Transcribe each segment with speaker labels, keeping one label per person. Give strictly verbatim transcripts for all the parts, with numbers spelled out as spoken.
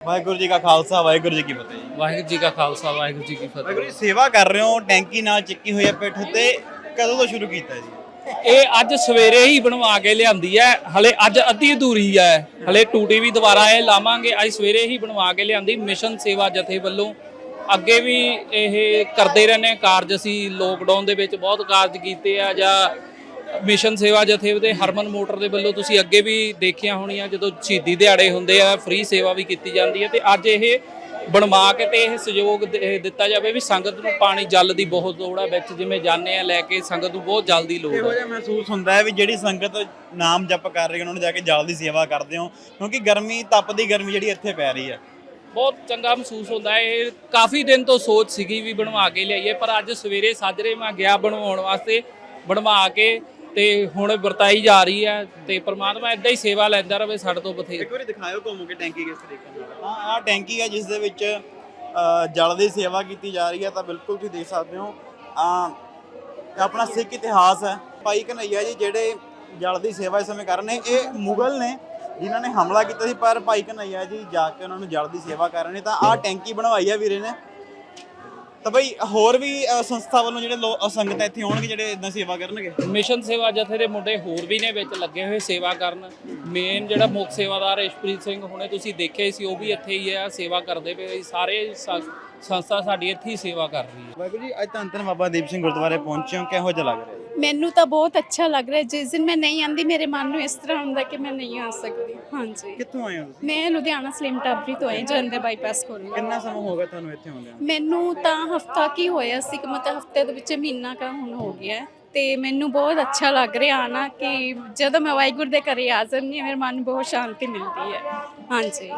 Speaker 1: ਵਾਹਿਗੁਰੂ ਜੀ ਕਾ ਖਾਲਸਾ ਵਾਹਿਗੁਰੂ ਜੀ ਕੀ ਫਤਿਹ ਜੀ।
Speaker 2: ਵਾਹਿਗੁਰੂ ਜੀ ਕਾ ਖਾਲਸਾ ਵਾਹਿਗੁਰੂ ਜੀ ਕੀ
Speaker 1: ਵਾਹਿਗੁਰੂ ਜੀ
Speaker 2: ਫਤਿਹ।
Speaker 1: ਸੇਵਾ ਕਰ ਰਹੇ ਹੋ, ਟੈਂਕੀ ਨਾਲ ਚੱਕੀ ਹੋਈ ਹੈ ਪਿੱਠ ਤੇ, ਕਦੋਂ ਤੋਂ ਸ਼ੁਰੂ ਕੀਤਾ ਜੀ?
Speaker 2: ਇਹ ਅੱਜ ਸਵੇਰੇ ਹੀ ਬਣਵਾ ਕੇ ਲਿਆਂਦੀ ਹੈ, ਹਲੇ ਅੱਜ ਅੱਧੀ ਅਧੂਰੀ ਹੈ, ਹਲੇ ਟੂਟੀ ਵੀ ਦੁਬਾਰਾ ਇਹ ਲਾਵਾਂਗੇ। ਅੱਜ ਸਵੇਰੇ ਹੀ ਬਣਵਾ ਕੇ ਲਿਆਂਦੀ ਮਿਸ਼ਨ ਸੇਵਾ ਜਥੇ ਵੱਲੋਂ। ਅੱਗੇ ਵੀ ਇਹ ਕਰਦੇ ਰਹਿੰਦੇ ਕਾਰਜ, ਅਸੀਂ ਲੋਕਡਾਊਨ ਦੇ ਵਿੱਚ ਬਹੁਤ ਕਾਰਜ ਕੀਤੇ ਆ, ਜਾਂ ਮਿਸ਼ਨ ਸੇਵਾ ਜਥੇ ਦੇ ਹਰਮਨ ਮੋਟਰ ਦੇ ਵੱਲੋਂ ਤੁਸੀਂ ਅੱਗੇ ਵੀ ਦੇਖਿਆ ਹੋਣੀਆਂ, ਜਦੋਂ ਸ਼ਹੀਦੀ ਦਿਹਾੜੇ ਹੁੰਦੇ ਆ ਫ੍ਰੀ ਸੇਵਾ ਵੀ ਕੀਤੀ ਜਾਂਦੀ ਹੈ। ਤੇ ਅੱਜ ਇਹ ਬਣਵਾ ਕੇ ਤੇ ਇਹ ਸਹਿਯੋਗ ਦਿੱਤਾ ਜਾਵੇ ਵੀ ਸੰਗਤ ਨੂੰ ਪਾਣੀ ਜਲ ਦੀ ਬਹੁਤ ਲੋੜ ਆ ਵਿੱਚ, ਜਿਵੇਂ ਜਾਂਦੇ ਆ ਲੈ ਕੇ ਸੰਗਤ ਨੂੰ ਬਹੁਤ ਜਲ ਦੀ ਲੋੜ
Speaker 1: ਇਹੋ
Speaker 2: ਹੈ।
Speaker 1: ਜਿਹਾ ਮਹਿਸੂਸ ਹੁੰਦਾ ਹੈ ਵੀ ਜਿਹੜੀ ਸੰਗਤ ਨਾਮ ਜਪ ਕਰ ਰਹੀ ਹੈ ਉਹਨਾਂ ਨੂੰ ਜਾ ਕੇ ਜਲ ਦੀ ਸੇਵਾ ਕਰਦੇ ਹੋ, ਕਿਉਂਕਿ ਗਰਮੀ ਤਪਦੀ ਗਰਮੀ ਜਿਹੜੀ ਇੱਥੇ ਪੈ ਰਹੀ ਹੈ।
Speaker 2: ਬਹੁਤ ਚੰਗਾ ਮਹਿਸੂਸ ਹੁੰਦਾ ਹੈ। ਇਹ ਕਾਫੀ ਦਿਨ ਤੋਂ ਸੋਚ ਸੀਗੀ ਵੀ ਬਣਵਾ ਕੇ ਲਿਆਈਏ, ਪਰ ਅੱਜ ਸਵੇਰੇ ਸਾਜਰੇ ਮੈਂ ਗਿਆ ਬਣਵਾਉਣ ਵਾਸਤੇ, ਬਣਵਾ ਕੇ ਤੇ ਹੁਣ ਵਰਤਾਈ ਜਾ ਰਹੀ ਹੈ। ਤੇ ਪ੍ਰਮਾਤਮਾ ਇਦਾਂ ਹੀ ਸੇਵਾ ਲੈਂਦਾ ਰਹੇ ਸਾਡੇ ਤੋਂ ਬਥੇਰੇ।
Speaker 1: ਇੱਕ ਵਾਰੀ ਦਿਖਾਇਓ ਘੁੰਮ ਕੇ ਟੈਂਕੀ ਕਿਸ ਤਰੀਕੇ ਨਾਲ। ਹਾਂ, ਆਹ ਟੈਂਕੀ ਹੈ ਜਿਸ ਦੇ ਵਿੱਚ ਅ, ਜਲ ਦੀ ਸੇਵਾ ਕੀਤੀ ਜਾ ਰਹੀ ਹੈ। ਤਾਂ ਬਿਲਕੁਲ ਤੁਸੀਂ ਦੇਖ ਸਕਦੇ ਹੋ ਆ ਆਪਣਾ ਸਿੱਖ ਇਤਿਹਾਸ ਹੈ। ਭਾਈ ਕਨ੍ਹਈਆ ਜੀ ਜਿਹੜੇ ਜਲ ਦੀ ਸੇਵਾ ਇਸ ਸਮੇਂ ਕਰ ਰਹੇ ਨੇ, ਇਹ ਮੁਗਲ ਨੇ ਜਿਨ੍ਹਾਂ ਨੇ ਹਮਲਾ ਕੀਤਾ ਸੀ, ਪਰ ਭਾਈ ਕਨ੍ਹਈਆ ਜੀ ਜਾ ਕੇ ਉਹਨਾਂ ਨੂੰ ਜਲ ਦੀ ਸੇਵਾ ਕਰ ਰਹੇ ਨੇ। ਤਾਂ ਆਹ ਟੈਂਕੀ ਬਣਵਾਈ ਹੈ ਵੀਰੇ ਨੇ। ਤਾਂ ਬਈ ਹੋਰ ਵੀ ਅ, ਸੰਸਥਾ ਵੱਲੋਂ ਜਿਹੜੇ ਲੋਕ ਸੰਗਤਾਂ ਇੱਥੇ ਆਉਣਗੇ ਜਿਹੜੇ ਇਦਾਂ ਸੇਵਾ ਕਰਨਗੇ।
Speaker 2: ਮਿਸ਼ਨ ਸੇਵਾ ਜਥੇ ਦੇ ਮੁੰਡੇ ਹੋਰ ਵੀ ਨੇ ਵਿੱਚ ਲੱਗੇ ਹੋਏ ਸੇਵਾ ਕਰਨ। ਮੇਨ ਜਿਹੜਾ ਮੁੱਖ ਸੇਵਾਦਾਰ ਇਸ਼ਪ੍ਰੀਤ ਸਿੰਘ ਹੁਣੇ ਤੁਸੀਂ ਦੇਖਿਆ ਸੀ, ਉਹ ਵੀ ਇੱਥੇ ਹੀ ਆ ਸੇਵਾ ਕਰਦੇ ਪਏ। ਸਾਰੇ ਸ- ਸੰਸਥਾ ਸਾਡੀ ਇੱਥੇ ਹੀ ਸੇਵਾ ਕਰ ਰਹੀ ਹੈ।
Speaker 1: ਵਾਹਿਗੁਰੂ ਜੀ, ਅੱਜ ਧੰਨ ਧੰਨ ਬਾਬਾ ਦੀਪ ਸਿੰਘ ਗੁਰਦੁਆਰੇ ਪਹੁੰਚੇ ਹੋ, ਕਿਹੋ ਜਿਹਾ ਲੱਗ ਰਿਹਾ ਜੀ?
Speaker 3: ਮੈਨੂੰ ਤਾਂ ਬਹੁਤ ਅੱਛਾ ਲੱਗ ਰਿਹਾ। ਜਿਸ ਦਿਨ ਮੈਂ ਨਹੀਂ ਆਂਦੀ ਮੇਰੇ ਮਨ ਨੂੰ ਇਸ ਤਰ੍ਹਾਂ ਹੁੰਦਾ ਕਿ ਮੈਂ ਨਹੀਂ ਆ ਸਕਦੀ। ਹਾਂਜੀ,
Speaker 1: ਕਿੱਥੋਂ ਆਏ ਹੋ ਤੁਸੀਂ?
Speaker 3: ਮੈਂ ਲੁਧਿਆਣਾ ਸਲਿਮ ਟਾਬਰੀ ਤੋਂ ਆਈ, ਜਲੰਧਰ ਬਾਈਪਾਸ ਕੋਲ।
Speaker 1: ਕਿੰਨਾ ਸਮਾਂ ਹੋ ਗਿਆ ਤੁਹਾਨੂੰ ਇੱਥੇ ਆਉਂਦਿਆਂ?
Speaker 3: ਮੈਨੂੰ ਤਾਂ ਹਫਤਾ ਕੀ ਹੋਇਆ ਸੀ, ਕਿ ਮਤਲਬ ਹਫਤੇ ਦੇ ਵਿੱਚ ਮਹੀਨਾ ਕਾ ਹੁਣ ਹੋ ਗਿਆ। ਤੇ ਮੈਨੂੰ ਬਹੁਤ ਅੱਛਾ ਲੱਗ ਰਿਹਾ ਆਣਾ, ਕਿ ਜਦੋਂ ਮੈਂ ਵਾਹਿਗੁਰੂ ਦੇ ਘਰੇ ਆ ਜਾਂਦੀ ਹਾਂ ਮੇਰੇ ਮਨ ਨੂੰ ਬਹੁਤ ਸ਼ਾਂਤੀ ਮਿਲਦੀ ਹੈ। ਹਾਂਜੀ,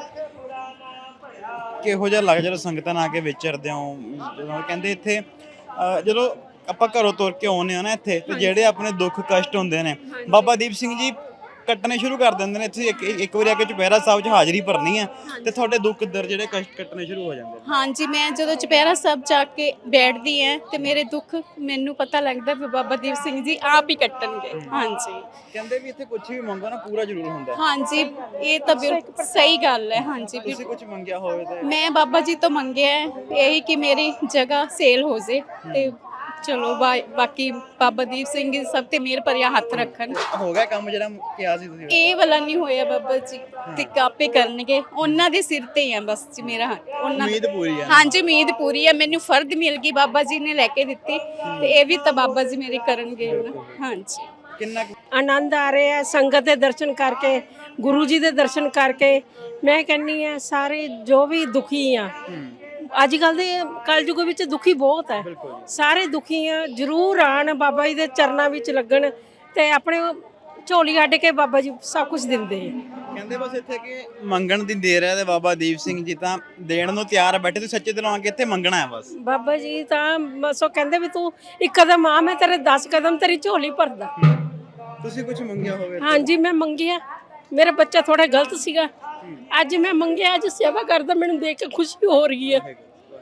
Speaker 1: ਕਿਹੋ ਜਿਹਾ ਲੱਗ ਜਦੋਂ ਸੰਗਤਾਂ ਨਾਲ ਆ ਕੇ ਵਿਚਰਦੇ ਹੋ? ਜਦੋਂ ਕਹਿੰਦੇ ਇੱਥੇ ਅ, ਜਦੋਂ ਆਪਾਂ ਘਰੋਂ ਤੁਰ ਕੇ ਆਉਂਦੇ ਆ ਨਾ ਇੱਥੇ, ਤੇ ਜਿਹੜੇ ਆਪਣੇ ਦੁੱਖ ਕਸ਼ਟ ਹੁੰਦੇ ਨੇ ਬਾਬਾ ਦੀਪ ਸਿੰਘ ਜੀ ਕੱਟਣੇ ਸ਼ੁਰੂ ਕਰ ਦਿੰਦੇ ਨੇ। ਇੱਥੇ ਇੱਕ ਇੱਕ ਵਾਰੀ ਆ ਕੇ ਚੁਪਹਿਰਾ ਸਾਹਿਬ 'ਚ ਹਾਜ਼ਰੀ ਭਰਨੀ ਹੈ ਤੇ ਤੁਹਾਡੇ ਦੁੱਖ ਦਰ ਜਿਹੜੇ ਕਸ਼ਟ ਕੱਟਣੇ ਸ਼ੁਰੂ ਹੋ ਜਾਂਦੇ ਨੇ।
Speaker 3: ਹਾਂਜੀ, ਮੈਂ ਜਦੋਂ ਚੁਪਹਿਰਾ ਸਾਹਿਬ ਜਾ ਕੇ ਬੈਠਦੀ ਹਾਂ ਤੇ ਮੇਰੇ ਦੁੱਖ ਮੈਨੂੰ ਪਤਾ ਲੱਗਦਾ ਵੀ ਬਾਬਾ ਦੀਪ ਸਿੰਘ ਜੀ ਆਪ ਹੀ ਕੱਟਣਗੇ। ਹਾਂਜੀ,
Speaker 1: ਕਹਿੰਦੇ ਵੀ ਇੱਥੇ ਕੁਝ ਵੀ ਮੰਗੋ ਨਾ ਪੂਰਾ ਜ਼ਰੂਰ ਹੁੰਦਾ ਹੈ।
Speaker 3: ਹਾਂਜੀ, ਇਹ ਤਾਂ ਬਿਲਕੁਲ ਸਹੀ ਗੱਲ ਹੈ। ਹਾਂਜੀ,
Speaker 1: ਤੁਸੀਂ ਕੁਝ ਮੰਗਿਆ ਹੋਵੇ ਤਾਂ?
Speaker 3: ਮੈਂ ਬਾਬਾ ਜੀ ਤੋਂ ਮੰਗਿਆ ਹੈ ਇਹੀ ਕਿ ਮੇਰੀ ਜਗ੍ਹਾ ਸੇਲ ਹੋ ਜੇ, ਤੇ ਚਲੋ ਬਾ- ਬਾਕੀ ਬਾਬਾ ਦੀਪ ਸਿੰਘ ਜੀ ਸਭ ਤੇ ਮਿਹਰ ਭਰਿਆ ਹੱਥ ਰੱਖਣ।
Speaker 1: ਹੋ ਗਿਆ ਕੰਮ ਜਿਹੜਾ ਕਿਹਾ ਸੀ ਤੁਸੀਂ?
Speaker 3: ਇਹ ਵਾਲਾ ਨਹੀਂ ਹੋਇਆ ਬਾਬਾ ਜੀ, ਤੇ ਕਾਪੇ ਕਰਨਗੇ, ਉਹਨਾਂ ਦੇ ਸਿਰ ਤੇ ਹੀ ਆ ਬਸ ਜੀ ਮੇਰਾ ਹੱਥ। ਉਹਨਾਂ
Speaker 1: ਉਮੀਦ ਪੂਰੀ ਹੈ।
Speaker 3: ਹਾਂਜੀ, ਉਮੀਦ ਪੂਰੀ ਹੈ। ਮੈਨੂੰ ਫਰਦ ਮਿਲ ਗਈ, ਬਾਬਾ ਜੀ ਨੇ ਲੈ ਕੇ ਦਿੱਤੀ, ਤੇ ਇਹ ਵੀ ਤਾਂ ਬਾਬਾ ਜੀ ਮੇਰੇ ਕਰਨਗੇ ਨਾ। ਹਾਂਜੀ,
Speaker 1: ਕਿੰਨਾ ਕੁ
Speaker 4: ਆਨੰਦ ਆ ਰਿਹਾ ਹੈ ਸੰਗਤ ਦੇ ਦਰਸ਼ਨ ਕਰਕੇ, ਗੁਰੂ ਜੀ ਦੇ ਦਰਸ਼ਨ ਕਰਕੇ। ਮੈਂ ਕਹਿੰਨੀ ਆ ਸਾਰੇ ਜੋ ਵੀ ਦੁਖੀ ਆ ਅੱਜ ਕੱਲ ਦੇ ਕਲਯੁਗ ਵਿੱਚ, ਦੁਖੀ ਬਹੁਤ ਹੈ, ਸਾਰੇ ਦੁਖੀ ਆ, ਜ਼ਰੂਰ ਆਣ ਬਾਬਾ ਜੀ ਦੇ ਚਰਨਾਂ ਵਿੱਚ ਲੱਗਣ ਤੇ ਆਪਣੇ ਝੋਲੀ ਕੱਢ ਕੇ ਬਾਬਾ ਜੀ ਸਭ ਕੁਝ ਦਿੰਦੇ ਆ।
Speaker 1: ਕਹਿੰਦੇ ਬਸ ਇੱਥੇ ਕਿ ਮੰਗਣ ਦੀ ਦੇਰ ਹੈ ਤੇ ਬਾਬਾ ਦੀਪ ਸਿੰਘ ਜੀ ਤਾਂ ਦੇਣ ਨੂੰ ਤਿਆਰ ਬੈਠੇ। ਤੁਸੀਂ ਸੱਚੇ ਦਿਲੋਂ ਆ ਕੇ ਇੱਥੇ ਮੰਗਣਾ ਹੈ ਬਸ।
Speaker 4: ਬਾਬਾ ਜੀ ਤਾਂ ਬਸ ਉਹ ਕਹਿੰਦੇ ਵੀ ਤੂੰ ਇੱਕ ਕਦਮ ਆ, ਮੈਂ ਤੇਰੇ ਦਸ ਕਦਮ ਤੇਰੀ ਝੋਲੀ ਭਰਦਾ।
Speaker 1: ਤੁਸੀਂ ਕੁਝ ਮੰਗਿਆ ਹੋਵੇ?
Speaker 4: ਹਾਂਜੀ, ਮੈਂ ਮੰਗਿਆ, ਮੇਰਾ ਬੱਚਾ ਥੋੜਾ ਗਲਤ ਸੀਗਾ, ਅੱਜ ਮੈਂ ਮੰਗਿਆ, ਅੱਜ ਸੇਵਾ ਕਰਦਾ, ਮੈਨੂੰ ਦੇਖ ਕੇ ਖੁਸ਼ੀ ਹੋ ਰਹੀ ਹੈ।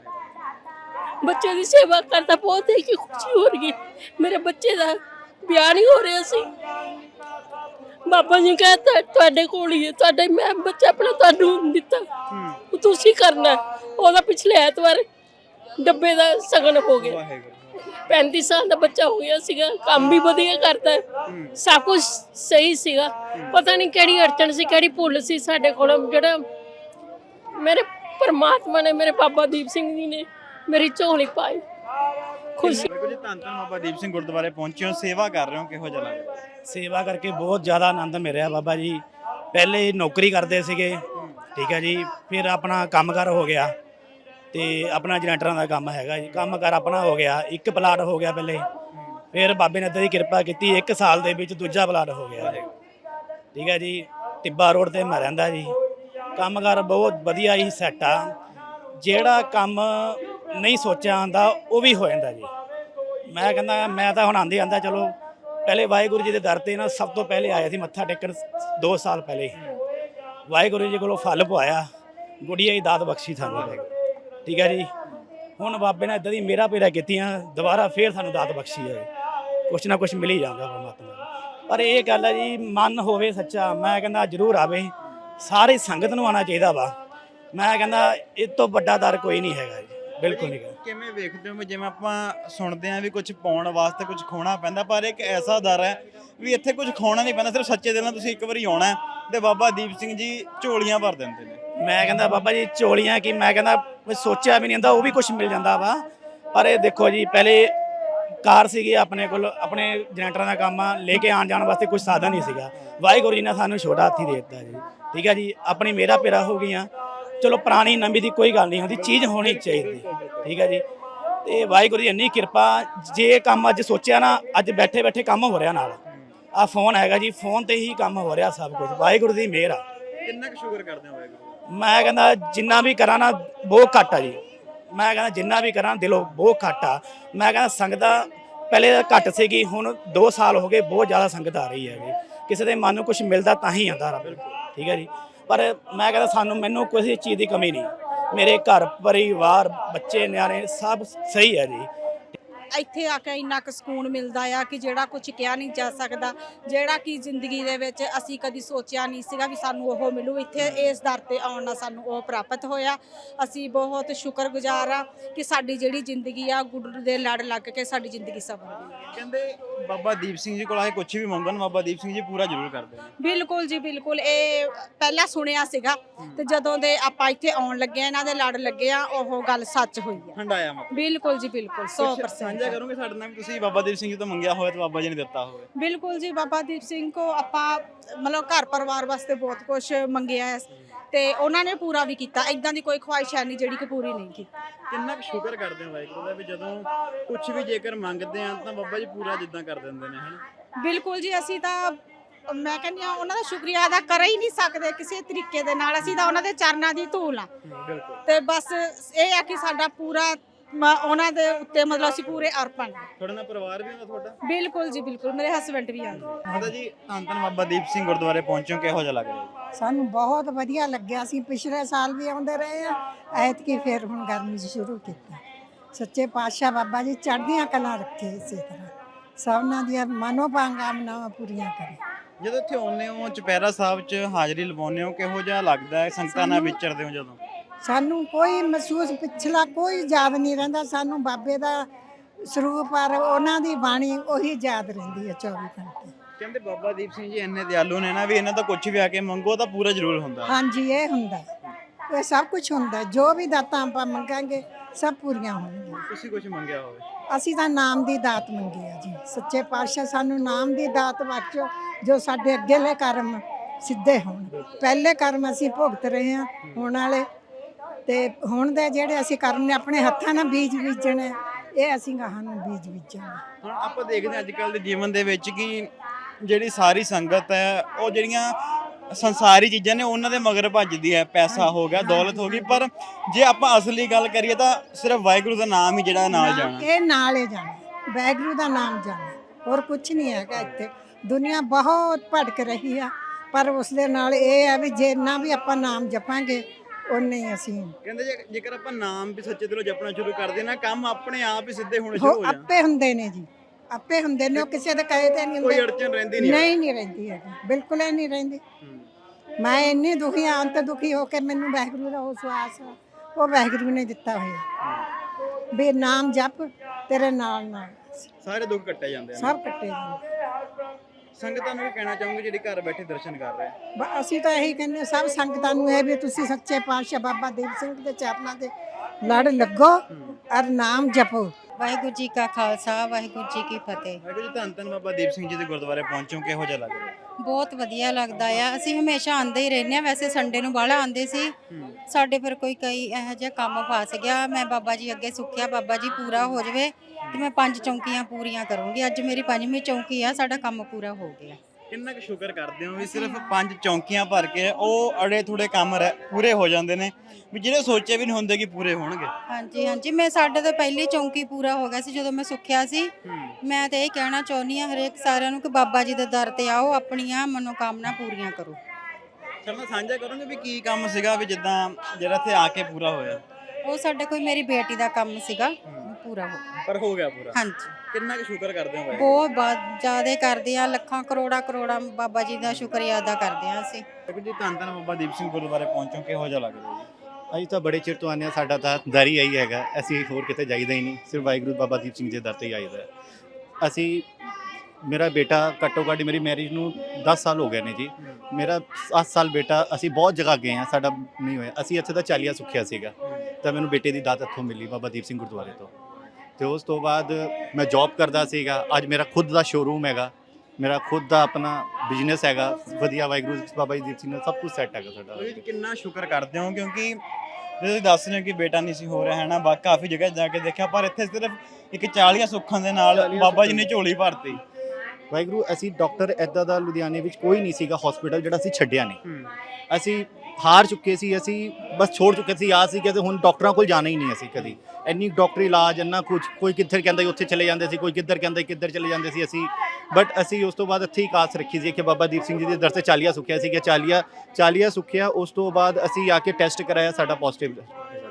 Speaker 4: ਬੱਚੇ ਦੀ ਸੇਵਾ ਕਰਦਾ ਬਹੁਤ ਹੀ ਕਿ ਖੁਸ਼ੀ ਹੋ ਰਹੀ ਹੈ। ਮੇਰੇ ਬੱਚੇ ਦਾ ਵਿਆਹ ਨਹੀਂ ਹੋ ਰਿਹਾ ਸੀ, ਬਾਬਾ ਜੀ ਕਹਿੰਦਾ ਤੁਹਾਡੇ ਕੋਲ ਹੀ ਹੈ, ਤੁਹਾਡੇ ਮੈਂ ਬੱਚਾ ਆਪਣਾ ਤੁਹਾਨੂੰ ਦਿੱਤਾ, ਉਹ ਤੁਸੀਂ ਕਰਨਾ। ਉਹਦਾ ਪਿਛਲੇ ਐਤਵਾਰ ਡੱਬੇ ਦਾ ਸਗਨ ਹੋ ਗਿਆ, ਪੈਂਤੀ ਸਾਲ ਦਾ ਬੱਚਾ ਹੋ ਗਿਆ ਸੀਗਾ, ਕੰਮ ਵੀ ਵਧੀਆ ਕਰਦਾ, ਸਭ ਕੁਝ ਸਹੀ ਸੀਗਾ। ਪਤਾ ਨਹੀਂ ਕਿਹੜੀ ਅੜਚਣ ਸੀ, ਕਿਹੜੀ ਭੁੱਲ ਸੀ ਸਾਡੇ ਕੋਲ, ਜਿਹੜਾ ਮੇਰੇ ਪਰਮਾਤਮਾ ਨੇ, ਮੇਰੇ ਬਾਬਾ ਦੀਪ ਸਿੰਘ ਜੀ ਨੇ ਮੇਰੀ ਝੋਲੀ ਪਾਈ। ਖੁਸ਼ੀ
Speaker 1: ਬਿਲਕੁਲ ਜੀ, ਧੰਨ ਧੰਨ ਬਾਬਾ ਦੀਪ ਸਿੰਘ ਗੁਰਦੁਆਰੇ ਪਹੁੰਚੇ ਹੋ, ਸੇਵਾ ਕਰ ਰਹੇ ਹੋ, ਕਿਹੋ ਜਿਹਾ ਲੱਗ ਰਿਹਾ?
Speaker 5: ਸੇਵਾ ਕਰਕੇ ਬਹੁਤ ਜ਼ਿਆਦਾ ਆਨੰਦ ਮਿਲਿਆ ਬਾਬਾ ਜੀ। ਪਹਿਲੇ ਨੌਕਰੀ ਕਰਦੇ ਸੀਗੇ, ਠੀਕ ਹੈ ਜੀ, ਫਿਰ ਆਪਣਾ ਕੰਮਕਾਰ ਹੋ ਗਿਆ ਤੇ ਆਪਣਾ ਜਨਰੇਟਰਾਂ ਦਾ ਕੰਮ ਹੈਗਾ ਜੀ, ਕੰਮਕਾਰ ਆਪਣਾ ਹੋ ਗਿਆ। ਇੱਕ ਪਲਾਟ ਹੋ ਗਿਆ ਪਹਿਲੇ, ਫਿਰ ਬਾਬੇ ਨੇ ਅੱਧੀ ਕਿਰਪਾ ਕੀਤੀ, ਇੱਕ ਸਾਲ ਦੇ ਵਿੱਚ ਦੂਜਾ ਪਲਾਟ ਹੋ ਗਿਆ ਜੀ, ਠੀਕ ਹੈ ਜੀ। ਟਿੱਬਾ ਰੋਡ ਤੇ ਮੈਂ ਰਹਿੰਦਾ ਜੀ, ਕੰਮਕਾਰ ਬਹੁਤ ਵਧੀਆ ਹੀ ਸੈੱਟ ਆ। ਜਿਹੜਾ ਕੰਮ ਨਹੀਂ ਸੋਚਿਆ ਆਉਂਦਾ ਉਹ ਵੀ ਹੋ ਜਾਂਦਾ ਜੀ। ਮੈਂ ਕਹਿੰਦਾ ਮੈਂ ਤਾਂ ਹੁਣ ਆਂਦੇ ਆਂਦਾ ਚਲੋ ਪਹਿਲੇ ਵਾਹਿਗੁਰੂ ਜੀ ਦੇ ਦਰ ਤੇ ਨਾ ਸਭ ਤੋਂ ਪਹਿਲੇ ਆਇਆ ਸੀ ਮੱਥਾ ਟੇਕਣ ਦੋ ਸਾਲ ਪਹਿਲੇ। ਵਾਹਿਗੁਰੂ ਜੀ ਕੋਲੋਂ ਫਲ ਪਵਾਇਆ, ਗੁੜੀਆ ਦੀ ਦਾਤ ਬਖਸ਼ੀ ਸਾਨੂੰ, ਠੀਕ ਹੈ ਜੀ। ਹੁਣ ਬਾਬੇ ਨੇ ਇੱਦਾਂ ਦੀ ਮੇਰਾ ਪੇਰਾ ਕੀਤੀਆਂ, ਦੁਬਾਰਾ ਫੇਰ ਸਾਨੂੰ ਦਾਤ ਬਖਸ਼ੀ ਹੈ। ਕੁਛ ਨਾ ਕੁਛ ਮਿਲ ਹੀ ਜਾਂਦਾ ਪਰਮਾਤਮਾ। ਪਰ ਇਹ ਗੱਲ ਹੈ ਜੀ, ਮਨ ਹੋਵੇ ਸੱਚਾ, ਮੈਂ ਕਹਿੰਦਾ ਜ਼ਰੂਰ ਆਵੇ। ਸਾਰੀ ਸੰਗਤ ਨੂੰ ਆਉਣਾ ਚਾਹੀਦਾ ਵਾ, ਮੈਂ ਕਹਿੰਦਾ ਇਹ ਤੋਂ ਵੱਡਾ ਦਰ ਕੋਈ ਨਹੀਂ ਹੈਗਾ ਜੀ, ਬਿਲਕੁਲ ਨਹੀਂ ਹੈਗਾ।
Speaker 1: ਕਿਵੇਂ ਵੇਖਦੇ ਹੋ ਵੀ ਜਿਵੇਂ ਆਪਾਂ ਸੁਣਦੇ ਆਂ ਵੀ ਕੁਝ ਪਾਉਣ ਵਾਸਤੇ ਕੁਝ ਖੋਣਾ ਪੈਂਦਾ, ਪਰ ਇੱਕ ਐਸਾ ਦਰ ਹੈ ਵੀ ਇੱਥੇ ਕੁਝ ਖੋਣਾ ਨਹੀਂ ਪੈਂਦਾ, ਸਿਰਫ ਸੱਚੇ ਦਿਲ ਨਾਲ ਤੁਸੀਂ ਇੱਕ ਵਾਰੀ ਆਉਣਾ ਹੈ ਤੇ ਬਾਬਾ ਦੀਪ ਸਿੰਘ ਜੀ ਝੋਲੀਆਂ ਭਰ ਦਿੰਦੇ ਨੇ।
Speaker 5: ਮੈਂ ਕਹਿੰਦਾ ਬਾਬਾ ਜੀ ਝੋਲੀਆਂ ਕੀ, ਮੈਂ ਕਹਿੰਦਾ ਮੈਂ ਸੋਚਿਆ ਵੀ ਨਹੀਂ ਹੁੰਦਾ ਉਹ ਵੀ ਕੁਝ ਮਿਲ ਜਾਂਦਾ ਵਾ। ਪਰ ਇਹ ਦੇਖੋ ਜੀ, ਪਹਿਲੇ ਕਾਰ ਸੀਗੀ ਆਪਣੇ ਕੋਲ, ਆਪਣੇ ਜਨਰੇਟਰਾਂ ਦਾ ਕੰਮ ਆ, ਲੈ ਕੇ ਆਉਣ ਜਾਣ ਵਾਸਤੇ ਕੁਝ ਸਾਧਨ ਨਹੀਂ ਸੀਗਾ। ਵਾਹਿਗੁਰੂ ਜੀ ਨੇ ਸਾਨੂੰ ਛੋਟਾ ਹੱਥੀ ਦੇ ਦਿੱਤਾ ਜੀ, ਠੀਕ ਹੈ ਜੀ। ਆਪਣੀ ਮੇਰਾ ਪੇਰਾ ਹੋ ਗਈਆਂ, ਚਲੋ ਪੁਰਾਣੀ ਨਵੀਂ ਦੀ ਕੋਈ ਗੱਲ ਨਹੀਂ ਹੁੰਦੀ, ਚੀਜ਼ ਹੋਣੀ ਚਾਹੀਦੀ, ਠੀਕ ਹੈ ਜੀ। ਤੇ ਵਾਹਿਗੁਰੂ ਦੀ ਇੰਨੀ ਕਿਰਪਾ, ਜੇ ਕੰਮ ਅੱਜ ਸੋਚਿਆ ਨਾ, ਅੱਜ ਬੈਠੇ ਬੈਠੇ ਕੰਮ ਹੋ ਰਿਹਾ ਨਾਲ। ਆ ਫੋਨ ਹੈਗਾ ਜੀ, ਫੋਨ ਤੇ ਹੀ ਕੰਮ ਹੋ ਰਿਹਾ ਸਭ ਕੁਝ, ਵਾਹਿਗੁਰੂ ਦੀ ਮਿਹਰ ਆ।
Speaker 1: ਕਿੰਨਾ ਕੁ ਸ਼ੁਕਰ ਕਰਦੇ ਹੋ ਵਾਹਿਗੁਰੂ?
Speaker 5: ਮੈਂ ਕਹਿੰਦਾ ਜਿੰਨਾ ਵੀ ਕਰਾਂ ਨਾ ਬਹੁਤ ਘੱਟ ਆ ਜੀ। ਮੈਂ ਕਹਿੰਦਾ ਜਿੰਨਾ ਵੀ ਕਰਾਂ ਦਿਲੋਂ ਬਹੁਤ ਘੱਟ ਆ। ਮੈਂ ਕਹਿੰਦਾ ਸੰਗਤਾਂ ਪਹਿਲੇ ਘੱਟ ਸੀਗੀ, ਹੁਣ ਦੋ ਸਾਲ ਹੋ ਗਏ ਬਹੁਤ ਜ਼ਿਆਦਾ ਸੰਗਤ ਆ ਰਹੀ ਹੈ ਜੀ। ਕਿਸੇ ਦੇ ਮਨ ਨੂੰ ਕੁਝ ਮਿਲਦਾ ਤਾਂ ਹੀ ਆਉਂਦਾ ਰੱਬ, ਠੀਕ ਹੈ ਜੀ। ਪਰ ਮੈਂ ਕਹਿੰਦਾ ਸਾਨੂੰ ਮੈਨੂੰ ਕਿਸੇ ਚੀਜ਼ ਦੀ ਕਮੀ ਨਹੀਂ, ਮੇਰੇ ਘਰ ਪਰਿਵਾਰ ਬੱਚੇ ਨਿਆਣੇ ਸਭ ਸਹੀ ਹੈ ਜੀ।
Speaker 6: ਇੱਥੇ ਆ ਕੇ ਇੰਨਾ ਕੁ ਸਕੂਨ ਮਿਲਦਾ ਆ ਕਿ ਜਿਹੜਾ ਕੁਝ ਕਿਹਾ ਨਹੀਂ ਜਾ ਸਕਦਾ, ਜਿਹੜਾ ਕਿ ਜ਼ਿੰਦਗੀ ਦੇ ਵਿੱਚ ਅਸੀਂ ਕਦੀ ਸੋਚਿਆ ਨਹੀਂ ਸੀਗਾ ਵੀ ਸਾਨੂੰ ਉਹ ਮਿਲੂ। ਇੱਥੇ ਇਸ ਦਰ ਤੇ ਆਉਣ ਨਾਲ ਸਾਨੂੰ ਉਹ ਪ੍ਰਾਪਤ ਹੋਇਆ। ਅਸੀਂ ਬਹੁਤ ਸ਼ੁਕਰਗੁਜ਼ਾਰ ਆ ਕਿ ਸਾਡੀ ਜਿਹੜੀ ਜ਼ਿੰਦਗੀ ਆ ਗੁਰੂ ਦੇ ਲੜ ਲੱਗ ਕੇ ਸਾਡੀ ਜ਼ਿੰਦਗੀ ਸਫਲ ਹੋਈ।
Speaker 1: ਕਹਿੰਦੇ ਬਾਬਾ ਦੀਪ ਸਿੰਘ ਜੀ ਕੋਲ ਆਏ ਕੁਝ ਵੀ ਮੰਗਣ, ਬਾਬਾ ਦੀਪ ਸਿੰਘ ਜੀ ਪੂਰਾ ਜ਼ਰੂਰ ਕਰਦੇ ਨੇ।
Speaker 6: ਬਿਲਕੁਲ ਜੀ ਬਿਲਕੁਲ, ਇਹ ਪਹਿਲਾਂ ਸੁਣਿਆ ਸੀਗਾ ਤੇ ਜਦੋਂ ਦੇ ਆਪਾਂ ਇੱਥੇ ਆਉਣ ਲੱਗੇ ਆ, ਇਹਨਾਂ ਦੇ ਲੜ ਲੱਗੇ ਆ, ਉਹ ਗੱਲ ਸੱਚ ਹੋਈ ਆ।
Speaker 1: ਹੰਡਾਇਆ ਮਤਲਬ
Speaker 6: ਬਿਲਕੁਲ ਜੀ ਬਿਲਕੁਲ, ਸੌ ਪਰਸੈਂਟ
Speaker 1: ਸਾਂਝਾ ਕਰੋਗੇ ਸਾਡੇ ਨਾਲ ਵੀ ਤੁਸੀਂ ਬਾਬਾ ਦੀਪ ਸਿੰਘ ਜੀ ਤੋਂ ਮੰਗਿਆ ਹੋਵੇ ਤੇ ਬਾਬਾ ਜੀ ਨੇ ਦਿੱਤਾ ਹੋਵੇ?
Speaker 6: ਬਿਲਕੁਲ ਜੀ, ਬਾਬਾ ਦੀਪ ਸਿੰਘ ਕੋ ਆਪਾਂ ਮਤਲਬ ਘਰ ਪਰਿਵਾਰ ਵਾਸਤੇ ਬਹੁਤ ਕੁਝ ਮੰਗਿਆ ਹੈ ਤੇ ਉਹਨਾਂ ਨੇ ਪੂਰਾ ਵੀ ਕੀਤਾ। ਇਦਾਂ ਦੀ ਕੋਈ ਖੁਆਇਸ਼ ਹੈ ਨਹੀਂ ਜਿਹੜੀ ਕਿ ਪੂਰੀ ਨਹੀਂ ਕੀਤੀ।
Speaker 1: ਕਿੰਨਾ ਕੁ ਸ਼ੁਕਰ ਕਰਦੇ ਹੋ ਵਾਹਿਗੁਰੂ ਦਾ ਵੀ ਜਦੋਂ ਕੁਝ ਵੀ ਜੇਕਰ ਮੰਗਦੇ ਆ ਤਾਂ ਬਾਬਾ ਜੀ ਪੂਰਾ ਜਿੱਦਾਂ ਕਰ ਦਿੰਦੇ ਨੇ, ਹਨ?
Speaker 6: ਬਿਲਕੁਲ ਜੀ, ਅਸੀਂ ਤਾਂ ਮੈਂ ਕਹਿੰਦੀ ਆ ਉਹਨਾਂ ਦਾ ਸ਼ੁਕਰੀਆ ਅਦਾ ਕਰ ਹੀ ਨਹੀਂ ਸਕਦੇ ਕਿਸੇ ਤਰੀਕੇ ਦੇ ਨਾਲ। ਅਸੀਂ ਤਾਂ ਉਹਨਾਂ ਦੇ ਚਰਨਾਂ ਦੀ ਧੂਲ ਆ
Speaker 1: ਬਿਲਕੁਲ।
Speaker 6: ਤੇ ਬਸ ਇਹ ਆ ਕਿ ਸਾਡਾ ਪੂਰਾ ਮ- ਉਹਨਾਂ ਦੇ ਉੱਤੇ ਮਤਲਬ ਅਸੀਂ ਪੂਰੇ ਅਰਪਣ।
Speaker 1: ਤੁਹਾਡੇ ਨਾਲ ਪਰਿਵਾਰ ਵੀ ਹੁੰਦਾ ਤੁਹਾਡਾ?
Speaker 6: ਬਿਲਕੁਲ ਜੀ ਬਿਲਕੁਲ, ਮੇਰੇ ਹਸਬੈਂਡ ਵੀ ਆਉਂਦੇ।
Speaker 1: ਮਾਤਾ ਜੀ ਧੰਨ ਧੰਨ ਬਾਬਾ ਦੀਪ ਸਿੰਘ ਗੁਰਦੁਆਰੇ ਪਹੁੰਚੋ, ਕਿਹੋ ਜਿਹਾ ਲੱਗ ਰਿਹਾ ਜੀ?
Speaker 7: ਸਾਨੂੰ ਬਹੁਤ ਵਧੀਆ ਲੱਗਿਆ। ਅਸੀਂ ਪਿਛਲੇ ਸਾਲ ਵੀ ਆਉਂਦੇ ਰਹੇ ਆ, ਐਤਕੀ ਫਿਰ ਹੁਣ ਗਰਮੀ 'ਚ ਸ਼ੁਰੂ ਕੀਤਾ। ਸੱਚੇ ਪਾਤਸ਼ਾਹ ਬਾਬਾ ਜੀ ਚੜ੍ਹਦੀਆਂ ਕਲਾਂ ਰੱਖੇ, ਇਸੇ ਤਰ੍ਹਾਂ ਸਭਨਾਂ ਦੀਆਂ ਮਨੋਕਾਮਨਾਵਾਂ ਪੂਰੀਆਂ ਕਰੇ।
Speaker 1: ਜਦੋਂ ਇੱਥੇ ਆਉਂਦੇ ਹੋ ਚੁਪਹਿਰਾ ਸਾਹਿਬ 'ਚ ਹਾਜ਼ਰੀ ਲਵਾਉਂਦੇ ਹੋ, ਕਿਹੋ ਜਿਹਾ ਲੱਗਦਾ ਹੈ ਸੰਗਤਾਂ ਨਾਲ ਵਿਚਰਦੇ ਹੋ ਜਦੋਂ?
Speaker 7: ਸਾਨੂੰ ਕੋਈ ਮਹਿਸੂਸ ਪਿਛਲਾ ਕੋਈ ਯਾਦ ਨਹੀਂ ਰਹਿੰਦਾ, ਸਾਨੂੰ ਬਾਬੇ ਦਾ ਸਰੂਪ ਪਰ ਉਹਨਾਂ ਦੀ ਬਾਣੀ ਉਹੀ ਯਾਦ ਰਹਿੰਦੀ ਹੈ ਚੌਵੀ ਘੰਟੇ।
Speaker 1: ਕਹਿੰਦੇ ਬਾਬਾ ਦੀਪ ਸਿੰਘ ਜੀ ਇੰਨੇ ਦਿਆਲੂ ਨੇ ਨਾ ਵੀ ਇਹਨਾਂ ਦਾ ਕੁਝ ਵੀ ਆ ਕੇ ਮੰਗੋ ਤਾਂ ਪੂਰਾ ਜ਼ਰੂਰ ਹੁੰਦਾ।
Speaker 7: ਹਾਂਜੀ, ਇਹ ਹੁੰਦਾ, ਇਹ ਸਭ ਕੁਝ ਹੁੰਦਾ। ਜੋ ਵੀ ਦਾਤਾਂ ਆਪਾਂ ਮੰਗਾਂਗੇ ਸਭ ਪੂਰੀਆਂ ਹੋਣਗੀਆਂ।
Speaker 1: ਤੁਸੀਂ ਕੁਝ ਮੰਗਿਆ ਹੋਵੇ?
Speaker 7: ਅਸੀਂ ਤਾਂ ਨਾਮ ਦੀ ਦਾਤ ਮੰਗੀ ਆ ਜੀ। ਸੱਚੇ ਪਾਤਸ਼ਾਹ ਸਾਨੂੰ ਨਾਮ ਦੀ ਦਾਤ ਬਖਸ਼ੋ, ਜੋ ਸਾਡੇ ਅੱਗੇਲੇ ਕਰਮ ਸਿੱਧੇ ਹੋਣ। ਪਹਿਲੇ ਕਰਮ ਅਸੀਂ ਭੁਗਤ ਰਹੇ ਹਾਂ ਹੁਣ ਵਾਲੇ, ਤੇ ਹੁਣ ਦੇ ਜਿਹੜੇ ਅਸੀਂ ਕਰਮ ਨੇ ਆਪਣੇ ਹੱਥਾਂ ਨਾਲ ਬੀਜ ਬੀਜਣੇ, ਇਹ ਅਸੀਂ ਗਾਹਾਂ ਨੂੰ ਬੀਜ ਬੀਜਾਂਗੇ।
Speaker 1: ਹੁਣ ਆਪਾਂ ਦੇਖਦੇ ਹਾਂ ਅੱਜ ਕੱਲ੍ਹ ਦੇ ਜੀਵਨ ਦੇ ਵਿੱਚ ਕਿ ਜਿਹੜੀ ਸਾਰੀ ਸੰਗਤ ਹੈ ਉਹ ਜਿਹੜੀਆਂ ਸੰਸਾਰੀ ਚੀਜ਼ਾਂ ਨੇ ਉਹਨਾਂ ਦੇ ਮਗਰ ਭੱਜਦੀ ਹੈ। ਪੈਸਾ ਹੋ ਗਿਆ, ਦੌਲਤ ਹੋ ਗਈ, ਪਰ ਜੇ ਆਪਾਂ ਅਸਲੀ ਗੱਲ ਕਰੀਏ ਤਾਂ ਸਿਰਫ ਵਾਹਿਗੁਰੂ ਦਾ ਨਾਮ ਹੀ ਜਿਹੜਾ ਨਾਲ ਜਾਣਾ।
Speaker 7: ਇਹ ਨਾਲ ਹੀ ਜਾਣਾ, ਵਾਹਿਗੁਰੂ ਦਾ ਨਾਮ ਜਾਣਾ, ਹੋਰ ਕੁਝ ਨਹੀਂ ਹੈਗਾ। ਇੱਥੇ ਦੁਨੀਆ ਬਹੁਤ ਭਟਕ ਰਹੀ ਆ, ਪਰ ਉਸ ਦੇ ਨਾਲ ਇਹ ਹੈ ਵੀ ਜਿੰਨਾ ਵੀ ਆਪਾਂ ਨਾਮ ਜਪਾਂਗੇ ਉਨੇ ਹੀ ਅਸੀਂ
Speaker 1: ਕਹਿੰਦੇ ਜੇ ਜੇਕਰ ਆਪਾਂ ਨਾਮ ਵੀ ਸੱਚੇ ਦਿਲੋਂ ਜਪਣਾ ਸ਼ੁਰੂ ਕਰਦੇ ਨਾ, ਕੰਮ ਆਪਣੇ ਆਪ ਹੀ ਸਿੱਧੇ ਹੋਣੇ
Speaker 7: ਹੋ
Speaker 1: ਸ਼ੁਰੂ ਹੋ ਜਾਣ।
Speaker 7: ਆਪੇ ਹੁੰਦੇ ਨੇ ਜੀ, ਆਪੇ ਹੁੰਦੇ ਨੇ, ਉਹ ਕਿਸੇ ਦੇ ਕਹੇ ਤੇ ਨਹੀਂ
Speaker 1: ਕੋਈ
Speaker 7: ਹੁੰਦੇ।
Speaker 1: ਅੜਚਨ ਰਹਿੰਦੀ ਨਹੀਂ।
Speaker 7: ਨਹੀਂ ਨਹੀਂ ਰਹਿੰਦੀ ਹੈਗੀ, ਬਿਲਕੁਲ ਹੀ ਨਹੀਂ ਰਹਿੰਦੀ। ਮੈਂ ਇੰਨੀ ਦੁਖੀ ਆਂ, ਅੰਤ ਦੁਖੀ ਹੋ ਕੇ ਮੈਨੂੰ ਵਾਹਿਗੁਰੂ ਦਾ ਉਹ ਸਵਾਸ ਆ, ਉਹ ਵਾਹਿਗੁਰੂ ਨੇ ਦਿੱਤਾ ਹੋਇਆ ਵੀ ਨਾਮ ਜਪ, ਤੇਰੇ ਨਾਲ ਨਾਲ
Speaker 1: ਸਾਰੇ ਦੁੱਖ ਕੱਟੇ ਜਾਂਦੇ ਆ।
Speaker 7: ਸਭ ਕੱਟੇ ਜਾਂਦੇ।
Speaker 1: ਸੰਗਤਾਂ ਨੂੰ ਵੀ ਕਹਿਣਾ ਚਾਹੂੰਗੀ ਜਿਹੜੀ ਘਰ ਬੈਠੇ ਦਰਸ਼ਨ ਕਰ ਰਹੇ ਆ।
Speaker 7: ਬ- ਅਸੀਂ ਤਾਂ ਇਹੀ ਕਹਿੰਦੇ ਹਾਂ ਸਭ ਸੰਗਤਾਂ ਨੂੰ, ਇਹ ਵੀ ਤੁਸੀਂ ਸੱਚੇ ਪਾਤਸ਼ਾਹ ਬਾਬਾ ਦੀਪ ਸਿੰਘ ਦੇ ਚਰਨਾਂ ਦੇ ਲੜ ਲੱਗੋ ਔਰ ਨਾਮ ਜਪੋ।
Speaker 8: ਵਾਹਿਗੁਰੂ ਜੀ ਕਾ ਖਾਲਸਾ, ਵਾਹਿਗੁਰੂ ਜੀ ਕੀ ਫਤਿਹ।
Speaker 1: ਵਾਹਿਗੁਰੂ ਜੀ ਧੰਨ ਧੰਨ ਬਾਬਾ ਦੀਪ ਸਿੰਘ ਜੀ ਦੇ ਗੁਰਦੁਆਰੇ ਪਹੁੰਚੋ, ਕਿਹੋ ਜਿਹਾ ਲੱਗ ਰਿਹਾ?
Speaker 8: ਬਹੁਤ ਵਧੀਆ ਲੱਗਦਾ ਆ। ਅਸੀਂ ਹਮੇਸ਼ਾ ਆਉਂਦੇ ਹੀ ਰਹਿੰਦੇ ਆ, ਵੈਸੇ ਸੰਡੇ ਨੂੰ ਬਾਹਲਾ ਆਉਂਦੇ ਸੀ, ਸਾਡੇ ਫਿਰ ਕੋਈ ਕਈ ਇਹੋ ਜਿਹਾ ਕੰਮ ਫਸ ਗਿਆ। ਮੈਂ ਬਾਬਾ ਜੀ ਅੱਗੇ ਸੁੱਖਿਆ, ਬਾਬਾ ਜੀ ਪੂਰਾ ਹੋ ਜਾਵੇ ਤੇ ਮੈਂ ਪੰਜ ਚੌਂਕੀਆਂ ਪੂਰੀਆਂ ਕਰੂੰਗੀ। ਅੱਜ ਮੇਰੀ ਪੰਜਵੀਂ ਚੌਂਕੀ ਆ, ਸਾਡਾ ਕੰਮ ਪੂਰਾ ਹੋ ਗਿਆ।
Speaker 1: ਕਿੰਨਾ ਕੁ ਸ਼ੁਕਰ ਕਰਦੇ ਹੋ ਵੀ ਸਿਰਫ ਪੰਜ ਚੌਂਕੀਆਂ ਭਰ ਕੇ ਉਹ ਅੜੇ ਥੋੜੇ ਕੰਮ ਰਹਿ- ਪੂਰੇ ਹੋ ਜਾਂਦੇ ਨੇ, ਵੀ ਜਿਹੜੇ ਸੋਚੇ ਵੀ ਨਹੀਂ ਹੁੰਦੇ ਕਿ ਪੂਰੇ ਹੋਣਗੇ।
Speaker 8: ਹਾਂਜੀ ਹਾਂਜੀ, ਮੈਂ ਸਾਡੇ ਤੋਂ ਪਹਿਲੀ ਚੌਂਕੀ ਪੂਰਾ ਹੋ ਗਿਆ ਸੀ ਜਦੋਂ ਮੈਂ ਸੁੱਖਿਆ ਸੀ। ਮੈਂ ਤਾਂ ਇਹ ਕਹਿਣਾ ਚਾਹੁੰਦੀ ਆ ਹਰੇਕ ਸਾਰਿਆਂ ਨੂੰ ਕਿ ਬਾਬਾ ਜੀ ਦੇ ਦਰ ਤੇ ਆਓ, ਆਪਣੀਆਂ ਮਨੋਕਾਮਨਾ ਪੂਰੀਆਂ ਕਰੋ।
Speaker 1: ਚਲ ਮੈਂ ਸਾਂਝਾ ਕਰੂੰਗਾ ਵੀ ਕੀ ਕੰਮ ਸੀਗਾ ਵੀ ਜਿੱਦਾਂ ਜਿਹੜਾ ਇੱਥੇ ਆ ਕੇ ਪੂਰਾ ਹੋਇਆ?
Speaker 8: ਉਹ ਸਾਡੇ ਕੋਈ ਮੇਰੀ ਬੇਟੀ ਦਾ ਕੰਮ ਸੀਗਾ, ਉਹ ਪੂਰਾ ਹੋ ਗਿਆ।
Speaker 1: ਪਰ ਹੋ ਗਿਆ ਪੂਰਾ।
Speaker 8: ਹਾਂਜੀ,
Speaker 1: ਕਿੰਨਾ ਕੁ ਸ਼ੁਕਰ ਕਰਦੇ ਹੋ ਬਾਈ?
Speaker 8: ਬਹੁਤ ਬਹੁਤ ਜ਼ਿਆਦਾ ਕਰਦੇ ਆ, ਲੱਖਾਂ ਕਰੋੜਾਂ ਕਰੋੜਾਂ ਬਾਬਾ ਜੀ ਦਾ ਸ਼ੁਕਰੀਆ ਅਦਾ ਕਰਦੇ ਆ ਅਸੀਂ।
Speaker 1: ਵਾਹਿਗੁਰੂ ਜੀ ਧੰਨ ਧੰਨ ਬਾਬਾ ਦੀਪ ਸਿੰਘ ਗੁਰਦੁਆਰੇ ਪਹੁੰਚੋ, ਕਿਹੋ ਜਿਹਾ ਲੱਗ ਰਿਹਾ ਜੀ?
Speaker 9: ਅਸੀਂ ਤਾਂ ਬੜੇ ਚਿਰ ਤੋਂ ਆਉਂਦੇ ਹਾਂ, ਸਾਡਾ ਤਾਂ ਦਰ ਹੀ ਇਹੀ ਹੈਗਾ, ਅਸੀਂ ਹੋਰ ਕਿਤੇ ਜਾਈਦਾ ਹੀ ਨਹੀਂ, ਸਿਰਫ ਵਾਹਿਗੁਰੂ ਬਾਬਾ ਦੀਪ ਸਿੰਘ ਜੀ ਦੇ ਦਰ ਤੇ ਹੀ ਆਈਦਾ ਹੈ। ਅਸੀਂ ਮੇਰਾ ਬੇਟਾ ਘੱਟੋ ਘੱਟ ਮੇਰੀ ਮੈਰਿਜ ਨੂੰ ਦਸ ਸਾਲ ਹੋ ਗਏ ਨੇ ਜੀ, ਮੇਰਾ ਅੱਠ ਸਾਲ ਬੇਟਾ ਅਸੀਂ ਬਹੁਤ ਜਗ੍ਹਾ ਗਏ ਹਾਂ, ਸਾਡਾ ਨਹੀਂ ਹੋਇਆ। ਅਸੀਂ ਇੱਥੇ ਦਾ ਚਾਲੀਆ ਸੁੱਖਿਆ ਸੀਗਾ, ਤਾਂ ਮੈਨੂੰ ਬੇਟੇ ਦੀ ਦਾਤ ਇੱਥੋਂ ਮਿਲੀ ਬਾਬਾ ਦੀਪ ਸਿੰਘ ਗੁਰਦੁਆਰੇ ਤੋਂ। ਅਤੇ ਉਸ ਤੋਂ ਬਾਅਦ ਮੈਂ ਜੌਬ ਕਰਦਾ ਸੀਗਾ, ਅੱਜ ਮੇਰਾ ਖੁਦ ਦਾ ਸ਼ੋਰੂਮ ਹੈਗਾ, ਮੇਰਾ ਖੁਦ ਦਾ ਆਪਣਾ ਬਿਜ਼ਨਸ ਹੈਗਾ ਵਧੀਆ, ਵਾਹਿਗੁਰੂ ਬਾਬਾ ਜੀ ਦੀਪ ਸਿੰਘ ਨਾਲ ਸਭ ਕੁਝ ਸੈੱਟ ਹੈਗਾ ਸਾਡਾ।
Speaker 1: ਉਹਦੇ 'ਚ ਕਿੰਨਾ ਸ਼ੁਕਰ ਕਰਦੇ ਹੋ, ਕਿਉਂਕਿ ਜੇ ਤੁਸੀਂ ਦੱਸ ਰਹੇ ਹੋ ਕਿ ਬੇਟਾ ਨਹੀਂ ਸੀ ਹੋ ਰਿਹਾ ਹੈ ਨਾ, ਬਾ ਕਾਫੀ ਜਗ੍ਹਾ ਜਾ ਕੇ ਦੇਖਿਆ, ਪਰ ਇੱਥੇ ਸਿਰਫ ਇੱਕ ਚਾਲੀਆਂ ਸੁੱਖਾਂ ਦੇ ਨਾਲ ਬਾਬਾ ਜੀ ਨੇ ਝੋਲੀ ਭਰਤੀ।
Speaker 9: ਵਾਹਿਗੁਰੂ, ਅਸੀਂ ਡਾਕਟਰ ਇੱਦਾਂ ਦਾ ਲੁਧਿਆਣੇ ਵਿੱਚ ਕੋਈ ਨਹੀਂ ਸੀਗਾ ਹਸਪੀਟਲ ਜਿਹੜਾ ਅਸੀਂ ਛੱਡਿਆ ਨਹੀਂ। ਅਸੀਂ ਹਾਰ ਚੁੱਕੇ ਸੀ, ਅਸੀਂ ਬਸ ਛੋੜ ਚੁੱਕੇ ਸੀ, ਯਾਦ ਸੀ ਕਿ ਹੁਣ ਡਾਕਟਰਾਂ ਕੋਲ ਜਾਣਾ ਹੀ ਨਹੀਂ ਅਸੀਂ ਕਦੀ। ਇੰਨੀ ਡਾਕਟਰੀ ਇਲਾਜ ਇੰਨਾ ਕੁਝ, ਕੋਈ ਕਿੱਧਰ ਕਹਿੰਦਾ ਉੱਥੇ ਚਲੇ ਜਾਂਦੇ ਸੀ, ਕੋਈ ਕਿੱਧਰ ਕਹਿੰਦਾ ਕਿੱਧਰ ਚਲੇ ਜਾਂਦੇ ਸੀ ਅਸੀਂ। ਬਟ ਅਸੀਂ ਉਸ ਤੋਂ ਬਾਅਦ ਇੱਥੇ ਹੀ ਕਾਸ ਰੱਖੀ ਸੀ ਕਿ ਬਾਬਾ ਦੀਪ ਸਿੰਘ ਜੀ ਦੇ ਦਰ ਤੇ ਚਾਲੀਆ ਸੁੱਖਿਆ ਸੀ ਕਿ ਚਾਲੀਆ ਚਾਲੀਆ ਸੁੱਖਿਆ। ਉਸ ਤੋਂ ਬਾਅਦ ਅਸੀਂ ਆ ਕੇ ਟੈਸਟ ਕਰਾਇਆ, ਸਾਡਾ ਪੋਜ਼ਿਟਿਵ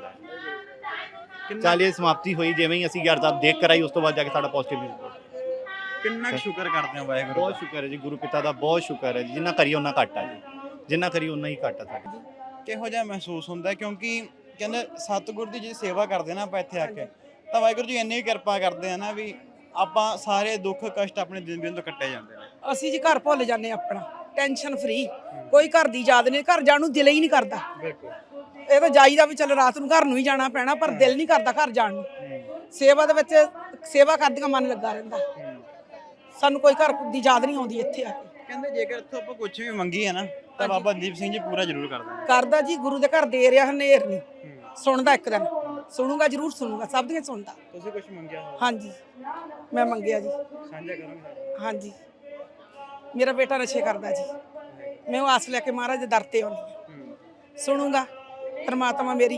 Speaker 9: ਚਾਲੀਆ ਸਮਾਪਤੀ ਹੋਈ, ਜਿਵੇਂ ਹੀ ਅਸੀਂ ਅਰਦਾਸ ਦੇਖ ਕਰਾਈ ਉਸ ਤੋਂ ਬਾਅਦ ਜਾ ਕੇ ਸਾਡਾ ਪੋਜ਼ਿਟਿਵ।
Speaker 1: ਕਿੰਨਾ ਸ਼ੁਕਰ ਕਰਦੇ ਹੋ ਵਾਹਿਗੁਰੂ
Speaker 9: ਬਹੁਤ ਸ਼ੁਕਰ ਹੈ ਜੀ, ਗੁਰੂ ਪਿਤਾ ਦਾ ਬਹੁਤ ਸ਼ੁਕਰ ਹੈ ਜੀ, ਜਿੰਨਾ ਕਰੀਏ ਉਹਨਾਂ ਘੱਟ ਆ ਜੀ, ਜਿੰਨਾ ਕਰੀਏ ਉਹਨਾਂ ਹੀ ਘੱਟ ਆ ਸਾਡੇ।
Speaker 1: ਕਿਹੋ ਜਿਹਾ ਮਹਿਸੂਸ ਹੁੰਦਾ, ਕਿਉਂਕਿ ਕਹਿੰਦੇ ਸਤਿਗੁਰ ਦੀ ਜੇ ਸੇਵਾ ਕਰਦੇ ਨਾ ਆਪਾਂ ਇੱਥੇ ਆ ਕੇ, ਤਾਂ ਵਾਹਿਗੁਰੂ ਜੀ ਇੰਨੀ ਕਿਰਪਾ ਕਰਦੇ ਆ ਨਾ ਵੀ ਆਪਾਂ ਸਾਰੇ ਦੁੱਖ ਕਸ਼ਟ ਆਪਣੇ ਦਿਨ ਦਿਨ ਤੋਂ ਕੱਟੇ ਜਾਂਦੇ ਨੇ।
Speaker 10: ਅਸੀਂ ਜੀ ਘਰ ਭੁੱਲ ਜਾਂਦੇ ਆਪਣਾ, ਟੈਨਸ਼ਨ ਫਰੀ, ਕੋਈ ਘਰ ਦੀ ਯਾਦ ਨਹੀਂ, ਘਰ ਜਾਣ ਨੂੰ ਦਿਲ ਹੀ ਨਹੀਂ ਕਰਦਾ।
Speaker 1: ਬਿਲਕੁਲ,
Speaker 10: ਇਹ ਤਾਂ ਜਾਈਦਾ ਵੀ ਚੱਲ ਰਾਤ ਨੂੰ ਘਰ ਨੂੰ ਹੀ ਜਾਣਾ ਪੈਣਾ, ਪਰ ਦਿਲ ਨਹੀਂ ਕਰਦਾ ਘਰ ਜਾਣ ਨੂੰ। ਸੇਵਾ ਦੇ ਵਿੱਚ ਸੇਵਾ ਕਰਦਿਆਂ ਮਨ ਲੱਗਾ ਰਹਿੰਦਾ, ਸਾਨੂੰ ਕੋਈ ਘਰ ਦੀ ਯਾਦ ਨਹੀਂ ਆਉਂਦੀ ਇੱਥੇ ਆ ਕੇ।
Speaker 1: ਕਹਿੰਦੇ ਜੇਕਰ ਇੱਥੋਂ ਆਪਾਂ ਕੁਝ ਵੀ ਮੰਗੀ ਹੈ ਨਾ, ਤਾਂ ਬਾਬਾ ਦੀਪ ਸਿੰਘ ਜੀ ਪੂਰਾ ਜ਼ਰੂਰ ਕਰਦੇ ਨੇ।
Speaker 10: ਕਰਦਾ ਜੀ, ਗੁਰੂ ਦੇ ਘਰ ਦੇ ਰਿਹਾ ਹਨੇਰ ਨਹੀਂ ਸੁਣਦਾ, ਇੱਕ ਦਿਨ ਸੁਣੂਗਾ, ਜ਼ਰੂਰ ਸੁਣੂਗਾ, ਸਭ ਦੀਆਂ ਸੁਣਦਾ।
Speaker 1: ਤੁਸੀਂ ਕੁਝ ਮੰਗਿਆ ਹੋਵੇ?
Speaker 10: ਹਾਂਜੀ, ਮੈਂ ਮੰਗਿਆ ਜੀ।
Speaker 1: ਸਾਂਝਾ ਕਰੋਗੇ?
Speaker 10: ਹਾਂਜੀ, ਮੇਰਾ ਬੇਟਾ ਨਸ਼ੇ ਕਰਦਾ ਜੀ, ਮੈਂ ਉਹ ਆਸ ਲੈ ਕੇ ਮਹਾਰਾਜ ਦੇ ਦਰ ਤੇ ਆਉਂਦੀ ਹਾਂ, ਸੁਣੂਗਾ ਪਰਮਾਤਮਾ ਮੇਰੀ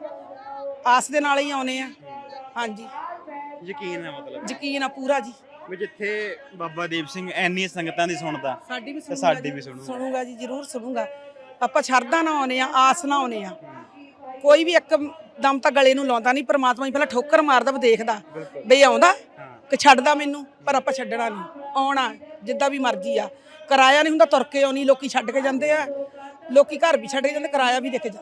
Speaker 10: ਆਸ ਦੇ ਨਾਲ ਹੀ ਆਉਨੇ ਆ। ਹਾਂਜੀ,
Speaker 1: ਯਕੀਨ ਹੈ, ਮਤਲਬ
Speaker 10: ਯਕੀਨ ਆ ਪੂਰਾ ਜੀ,
Speaker 1: ਵੀ ਜਿੱਥੇ ਬਾਬਾ ਦੀਪ ਸਿੰਘ ਐਨੀ ਸੰਗਤਾਂ ਦੀ ਸੁਣਦਾ,
Speaker 10: ਸਾਡੀ ਵੀ
Speaker 1: ਤੇ ਸਾਡੀ ਵੀ ਸੁਣੂਗਾ।
Speaker 10: ਸੁਣੂਗਾ ਜੀ, ਜ਼ਰੂਰ ਸੁਣੂਗਾ। ਆਪਾਂ ਸ਼ਰਧਾ ਨਾ ਆਉਨੇ ਆ, ਆਸ ਨਾ ਆਉਨੇ ਆ, ਕੋਈ ਵੀ ਇੱਕ ਦਮ ਤਾਂ ਗਲੇ ਨੂੰ ਲਾਉਂਦਾ ਨਹੀਂ, ਪਰਮਾਤਮਾ ਹੀ ਪਹਿਲਾਂ ਠੋਕਰ ਮਾਰਦਾ ਵੀ ਦੇਖਦਾ ਬਈ ਆਉਂਦਾ ਕਿ ਛੱਡਦਾ ਮੈਨੂੰ, ਪਰ ਆਪਾਂ ਛੱਡਣਾ ਨਹੀਂ, ਆਉਣਾ ਜਿੱਦਾਂ ਵੀ ਮਰਜ਼ੀ ਆ। ਕਿਰਾਇਆ ਨਹੀਂ ਹੁੰਦਾ, ਤੁਰ ਕੇ ਆਉਣੀ, ਲੋਕੀ ਛੱਡ ਕੇ ਜਾਂਦੇ ਆ, ਲੋਕੀ ਘਰ ਵੀ ਛੱਡ ਕੇ ਜਾਂਦੇ, ਕਿਰਾਇਆ ਵੀ ਦੇ ਕੇ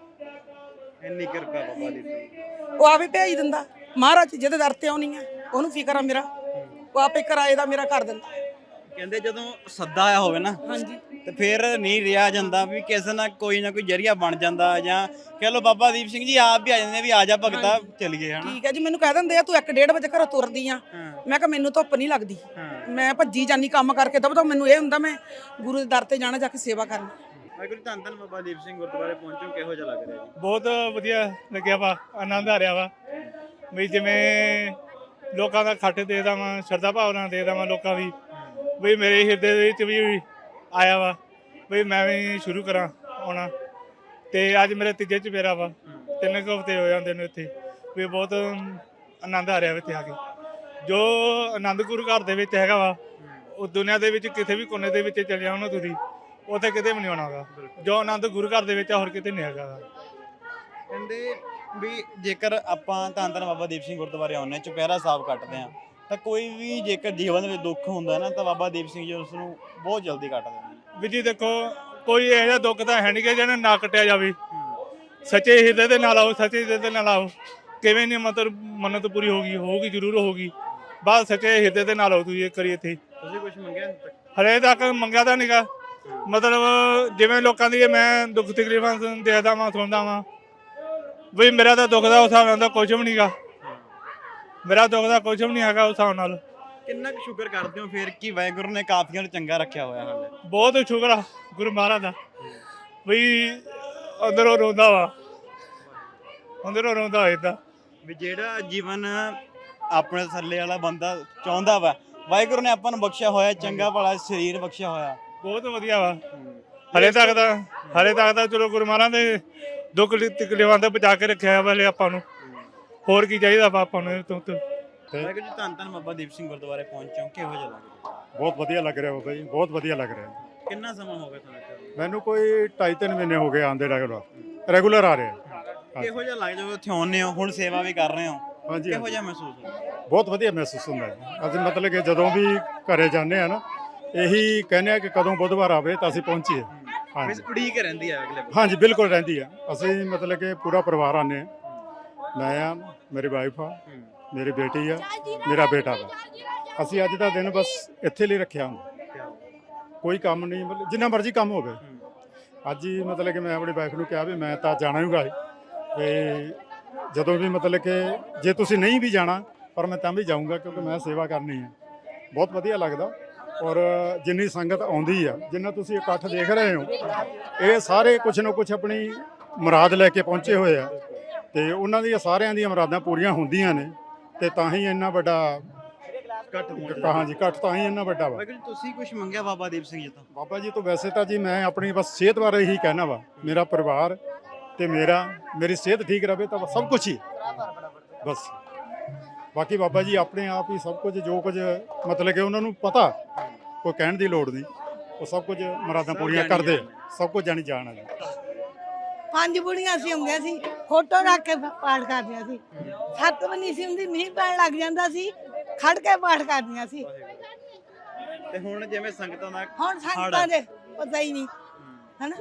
Speaker 10: ਜਾਂਦੇ।
Speaker 1: ਇੰਨੀ ਕਿਰਪਾ ਬਾਬਾ ਦੀਪ ਸਿੰਘ,
Speaker 10: ਉਹ ਆਪੇ ਭੇਜ ਦਿੰਦਾ ਮਹਾਰਾਜ, ਜਿਹਦੇ ਦਰ ਤੇ ਆਉਣੀ ਆ ਉਹਨੂੰ ਫਿਕਰ ਆ ਮੇਰਾ, ਉਹ ਆਪੇ ਕਿਰਾਏ ਦਾ ਮੇਰਾ ਕਰ ਦਿੰਦਾ।
Speaker 1: ਕਹਿੰਦੇ ਜਦੋਂ ਸੱਦਾ ਆਇਆ ਹੋਵੇ ਨਾ,
Speaker 10: ਹਾਂਜੀ,
Speaker 1: ਤੇ ਫਿਰ ਨਹੀਂ ਰਿਹਾ ਜਾਂਦਾ, ਵੀ ਕਿਸੇ ਨਾਲ ਕੋਈ ਨਾ ਕੋਈ ਜਰੀਆ ਬਣ ਜਾਂਦਾ, ਜਾਂ ਕਹਿ ਲਓ ਬਾਬਾ ਦੀਪ ਸਿੰਘ ਜੀ ਆਪ ਵੀ ਆ ਜਾਂਦੇ ਵੀ ਆ ਜਾ ਭਗਤਾ ਚਲੀਏ, ਹਨਾ।
Speaker 10: ਠੀਕ ਹੈ ਜੀ, ਮੈਨੂੰ ਕਹਿ ਦਿੰਦੇ ਆ ਤੂੰ ਇੱਕ ਡੇਢ ਵਜੇ ਘਰੋਂ ਤੁਰਦੀ ਆ, ਮੈਂ ਕਿਹਾ ਮੈਨੂੰ ਧੁੱਪ ਨਹੀਂ ਲੱਗਦੀ, ਮੈਂ ਭੱਜੀ ਜਾਨੀ ਕੰਮ ਕਰਕੇ, ਦਬ ਤਾਂ ਮੈਨੂੰ ਇਹ ਹੁੰਦਾ ਮੈਂ ਗੁਰੂ ਦੇ ਦਰ ਤੇ ਜਾਣਾ, ਜਾ ਕੇ ਸੇਵਾ ਕਰਨੀ।
Speaker 1: ਵਾਹਿਗੁਰੂ ਧੰਨ ਧੰਨ ਬਾਬਾ ਦੀਪ ਸਿੰਘ ਗੁਰਦੁਆਰੇ ਪਹੁੰਚੋ, ਕਿਹੋ ਜਿਹਾ ਲੱਗ ਰਿਹਾ ਜੀ?
Speaker 11: ਬਹੁਤ ਵਧੀਆ ਲੱਗਿਆ ਵਾ, ਆਨੰਦ ਆ ਰਿਹਾ ਵਾ ਵੀ ਜਿਵੇਂ ਲੋਕਾਂ ਦਾ ਖੱਟ ਦੇ ਦੇਵਾਂ, ਸ਼ਰਧਾ ਭਾਵਨਾ ਦੇ ਦੇਵਾਂ ਲੋਕਾਂ ਦੀ, ਵੀ ਮੇਰੇ ਹਿਰਦੇ ਦੇ ਵਿੱਚ ਵੀ ਆਇਆ ਵਾ ਵੀ ਮੈਂ ਵੀ ਸ਼ੁਰੂ ਕਰਾਂ ਆਉਣਾ। ਤੇ ਅੱਜ ਮੇਰੇ ਤੀਜੇ ਚੁਫੇਰਾ ਵਾ, ਤਿੰਨ ਕੁ ਹਫ਼ਤੇ ਹੋ ਜਾਂਦੇ ਨੇ ਇੱਥੇ, ਵੀ ਬਹੁਤ ਆਨੰਦ ਆ ਰਿਹਾ ਇੱਥੇ ਆ ਕੇ। ਜੋ ਆਨੰਦ ਗੁਰੂ ਘਰ ਦੇ ਵਿੱਚ ਹੈਗਾ ਵਾ, ਉਹ ਦੁਨੀਆ ਦੇ ਵਿੱਚ ਕਿਸੇ ਵੀ ਕੋਨੇ ਦੇ ਵਿੱਚ ਚਲੇ ਜਾਓ ਨਾ ਤੁਸੀਂ, ਉੱਥੇ ਕਿਤੇ ਵੀ ਨਹੀਂ ਆਉਣਾ ਗਾ। ਜੋ ਆਨੰਦ ਗੁਰੂ ਘਰ ਦੇ ਵਿੱਚ ਆ, ਹੋਰ ਕਿਤੇ ਨਹੀਂ ਹੈਗਾ।
Speaker 1: ਕਹਿੰਦੇ ਵੀ ਜੇਕਰ ਆਪਾਂ ਧੰਨ ਧੰਨ ਬਾਬਾ ਦੀਪ ਸਿੰਘ ਗੁਰਦੁਆਰੇ ਆਉਂਦੇ, ਚੁਪਹਿਰਾ ਸਾਹਿਬ ਕੱਟਦੇ ਆ, ਤਾਂ ਕੋਈ ਵੀ ਜੇਕਰ ਜੀਵਨ ਵਿੱਚ ਦੁੱਖ ਹੁੰਦਾ ਨਾ, ਤਾਂ ਬਾਬਾ ਦੀਪ ਸਿੰਘ ਜੀ ਉਸ ਨੂੰ ਬਹੁਤ ਜਲਦੀ ਕੱਟ ਦਿੰਦੇ ਨੇ।
Speaker 11: ਵੀ ਜੀ ਦੇਖੋ, ਕੋਈ ਇਹੋ ਜਿਹਾ ਦੁੱਖ ਤਾਂ ਹੈ ਨਹੀਂ ਕਿ ਜਿਹਨੇ ਨਾ ਕੱਟਿਆ ਜਾਵੇ। ਸੱਚੇ ਹਿਰਦੇ ਦੇ ਨਾਲ ਆਓ, ਸੱਚੇ ਹਿਰਦੇ ਦੇ ਨਾਲ ਆਓ, ਕਿਵੇਂ ਨਹੀਂ ਮਤਲਬ ਮੰਨਤ ਪੂਰੀ ਹੋਗੀ ਹੋਊਗੀ ਜ਼ਰੂਰ ਹੋਊਗੀ, ਬਸ ਸੱਚੇ ਹਿਰਦੇ ਦੇ ਨਾਲ ਆਓ ਤੁਸੀਂ ਇੱਕ ਵਾਰੀ ਇੱਥੇ।
Speaker 1: ਤੁਸੀਂ ਕੁਝ ਮੰਗਿਆ
Speaker 11: ਹਲੇ ਤੱਕ ਮੰਗਿਆ ਤਾਂ ਨਹੀਂਗਾ, ਮਤਲਬ ਜਿਵੇਂ ਲੋਕਾਂ ਦੀ ਮੈਂ ਦੁੱਖ ਤਕਲੀਫਾਂ ਦੇਖਦਾ ਵਾਂ, ਸੁਣਦਾ ਵਾਂ, ਵੀ ਮੇਰਾ ਤਾਂ ਦੁੱਖ ਦਾ ਉਸ ਹਿਸਾਬ ਨਾਲ ਕੁਝ ਵੀ ਨਹੀਂਗਾ, ਮੇਰਾ ਦੁੱਖ ਦਾ ਕੁਝ ਵੀ ਨਹੀਂ ਹੈਗਾ ਉਸ ਹਿਸਾਬ ਨਾਲ।
Speaker 1: ਕਿੰਨਾ ਕੁ ਸ਼ੁਕਰ ਕਰਦੇ ਹੋ ਫਿਰ ਕਿ ਵਾਹਿਗੁਰੂ ਨੇ ਕਾਫੀਆਂ ਨੂੰ ਚੰਗਾ ਰੱਖਿਆ ਹੋਇਆ ਹਾਲੇ?
Speaker 11: ਬਹੁਤ ਸ਼ੁਕਰ ਆ ਗੁਰੂ ਮਹਾਰਾਜ ਦਾ, ਵੀ ਅੰਦਰੋਂ ਰੋਂਦਾ ਵਾ, ਅੰਦਰੋਂ ਰੋਂਦਾ ਏਦਾਂ
Speaker 1: ਵੀ ਜਿਹੜਾ ਜੀਵਨ ਆਪਣੇ ਥੱਲੇ ਵਾਲਾ ਬੰਦਾ ਚਾਹੁੰਦਾ ਵਾ, ਵਾਹਿਗੁਰੂ ਨੇ ਆਪਾਂ ਨੂੰ ਬਖਸ਼ਿਆ ਹੋਇਆ, ਚੰਗਾ ਭਲਾ ਸਰੀਰ ਬਖਸ਼ਿਆ ਹੋਇਆ,
Speaker 11: ਬਹੁਤ ਵਧੀਆ ਵਾ। ਹਲੇ ਤੱਕ ਤਾਂ ਹਲੇ ਤੱਕ ਤਾਂ ਚਲੋ ਗੁਰੂ ਮਹਾਰਾਜ ਦੇ ਦੁੱਖ ਤਕਲੀਫਾਂ ਤੋਂ ਬਚਾ ਕੇ ਰੱਖਿਆ ਵਾ ਹਲੇ ਆਪਾਂ ਨੂੰ, ਹੋਰ ਕੀ ਚਾਹੀਦਾ ਵਾ ਆਪਾਂ ਨੂੰ ਤੋਂ ਤੋਂ।
Speaker 1: ਵਾਹਿਗੁਰੂ ਜੀ ਧੰਨ ਧੰਨ ਬਾਬਾ ਦੀਪ ਸਿੰਘ ਗੁਰਦੁਆਰੇ ਪਹੁੰਚੋ, ਕਿਹੋ ਜਿਹਾ ਲੱਗ ਰਿਹਾ?
Speaker 12: ਬਹੁਤ ਵਧੀਆ ਲੱਗ ਰਿਹਾ ਬਾਬਾ ਜੀ, ਬਹੁਤ ਵਧੀਆ ਲੱਗ ਰਿਹਾ।
Speaker 1: ਕਿੰਨਾ ਸਮਾਂ ਹੋ ਗਿਆ ਤੁਹਾਨੂੰ?
Speaker 12: ਮੈਨੂੰ ਕੋਈ ਢਾਈ ਤਿੰਨ ਮਹੀਨੇ ਹੋ ਗਏ ਆਉਂਦੇ ਰੈਗੂਲਰ ਰੈਗੂਲਰ ਆ ਰਹੇ।
Speaker 1: ਕਿਹੋ ਜਿਹਾ ਲੱਗ ਜਦੋਂ ਇੱਥੇ ਆਉਂਦੇ ਹੋ, ਹੁਣ ਸੇਵਾ ਵੀ ਕਰ ਰਹੇ ਹੋ,
Speaker 12: ਹਾਂਜੀ,
Speaker 1: ਕਿਹੋ ਜਿਹਾ ਮਹਿਸੂਸ ਹੁੰਦਾ?
Speaker 12: ਬਹੁਤ ਵਧੀਆ ਮਹਿਸੂਸ ਹੁੰਦਾ ਹੈ। ਅਸੀਂ ਮਤਲਬ ਕਿ ਜਦੋਂ ਵੀ ਘਰੇ ਜਾਂਦੇ ਆ ਨਾ, ਇਹੀ ਕਹਿੰਦੇ ਆ ਕਿ ਕਦੋਂ ਬੁੱਧਵਾਰ ਆਵੇ ਤਾਂ ਅਸੀਂ ਪਹੁੰਚੀਏ। ਹਾਂਜੀ
Speaker 1: ਉਡੀਕ ਰਹਿੰਦੀ ਹੈ ਅਗਲੇ
Speaker 12: ਹਾਂਜੀ ਬਿਲਕੁਲ ਰਹਿੰਦੀ ਆ। ਅਸੀਂ ਮਤਲਬ ਕਿ ਪੂਰਾ ਪਰਿਵਾਰ ਆਨੇ ਆ, ਮੈਂ ਆ, ਮੇਰੀ ਵਾਈਫ ਆ, ਮੇਰੀ ਬੇਟੀ ਆ, ਮੇਰਾ ਬੇਟਾ ਵਾ। ਅਸੀਂ ਅੱਜ ਦਾ ਦਿਨ ਬਸ ਇੱਥੇ ਲਈ ਰੱਖਿਆ ਹੁੰਦਾ, ਕੋਈ ਕੰਮ ਨਹੀਂ, ਮਤਲਬ ਜਿੰਨਾ ਮਰਜ਼ੀ ਕੰਮ ਹੋਵੇ। ਅੱਜ ਹੀ ਮਤਲਬ ਕਿ ਮੈਂ ਆਪਣੀ ਵਾਈਫ ਨੂੰ ਕਿਹਾ ਵੀ ਮੈਂ ਤਾਂ ਜਾਣਾ ਹੀ ਗਾ ਤੇ ਜਦੋਂ ਵੀ ਮਤਲਬ ਕਿ ਜੇ ਤੁਸੀਂ ਨਹੀਂ ਵੀ ਜਾਣਾ ਪਰ ਮੈਂ ਤਾਂ ਵੀ ਜਾਊਂਗਾ, ਕਿਉਂਕਿ ਮੈਂ ਸੇਵਾ ਕਰਨੀ ਹੈ। ਬਹੁਤ ਵਧੀਆ ਲੱਗਦਾ। ਔਰ ਜਿੰਨੀ ਸੰਗਤ ਆਉਂਦੀ ਆ, ਜਿੰਨਾ ਤੁਸੀਂ ਇਕੱਠ ਦੇਖ ਰਹੇ ਹੋ, ਇਹ ਸਾਰੇ ਕੁਛ ਨਾ ਕੁਛ ਆਪਣੀ ਮੁਰਾਦ ਲੈ ਕੇ ਪਹੁੰਚੇ ਹੋਏ ਆ ਤੇ ਉਹਨਾਂ ਦੀਆਂ ਸਾਰਿਆਂ ਦੀਆਂ ਮੁਰਾਦਾਂ ਪੂਰੀਆਂ ਹੁੰਦੀਆਂ ਨੇ ਤੇ ਤਾਂ ਹੀ ਇੰਨਾ ਵੱਡਾ
Speaker 1: ਇਕੱਠ
Speaker 12: ਹਾਂਜੀ ਇਕੱਠ ਤਾਂ ਹੀ ਇੰਨਾ ਵੱਡਾ ਵਾ।
Speaker 1: ਵਾਹਿਗੁਰੂ ਜੀ, ਤੁਸੀਂ ਕੁਝ ਮੰਗਿਆ ਬਾਬਾ ਦੀਪ ਸਿੰਘ ਜੀ ਤੋਂ?
Speaker 12: ਬਾਬਾ ਜੀ ਤੋਂ ਵੈਸੇ ਤਾਂ ਜੀ ਮੈਂ ਆਪਣੀ ਬਸ ਸਿਹਤ ਬਾਰੇ ਹੀ ਕਹਿਣਾ ਵਾ, ਮੇਰਾ ਪਰਿਵਾਰ ਤੇ ਮੇਰਾ ਮੇਰੀ ਸਿਹਤ ਠੀਕ ਰਵੇ ਤਾਂ ਸਭ ਕੁਝ ਹੀ ਬਸ। ਬਾਕੀ ਬਾਬਾ ਜੀ ਆਪਣੇ ਆਪ ਹੀ ਸਭ ਕੁਝ, ਜੋ ਕੁਝ ਮਤਲਬ ਕਿ ਉਹਨਾਂ ਨੂੰ ਪਤਾ, ਕੋਈ ਕਹਿਣ ਦੀ ਲੋੜ ਨਹੀਂ, ਉਹ ਸਭ ਕੁਝ ਮੁਰਾਦਾਂ ਪੂਰੀਆਂ ਕਰਦੇ, ਸਭ ਕੁਝ ਜਾਣੀ ਜਾਣ ਜੀ।
Speaker 7: ਪੰਜ ਬੁੜੀਆਂ ਸੀ ਹੁੰਦੀਆਂ ਸੀ, ਫੋਟੋ ਰੱਖ ਕੇ ਪਾਠ ਕਰਦੀਆਂ ਸੀ। ਸੱਤ ਵੀ ਨਹੀਂ ਸੀ ਹੁੰਦੀ, ਮੀਂਹ ਪੈਣ ਲੱਗ ਜਾਂਦਾ ਸੀ, ਖੜ ਕੇ ਪਾਠ ਕਰਦੀਆਂ ਸੀ।
Speaker 1: ਤੇ ਹੁਣ ਜਿਵੇਂ ਸੰਗਤਾਂ ਦਾ
Speaker 7: ਹੁਣ ਸੰਗਤਾਂ ਦੇ ਪਤਾ ਹੀ ਨਹੀਂ, ਹਨਾ।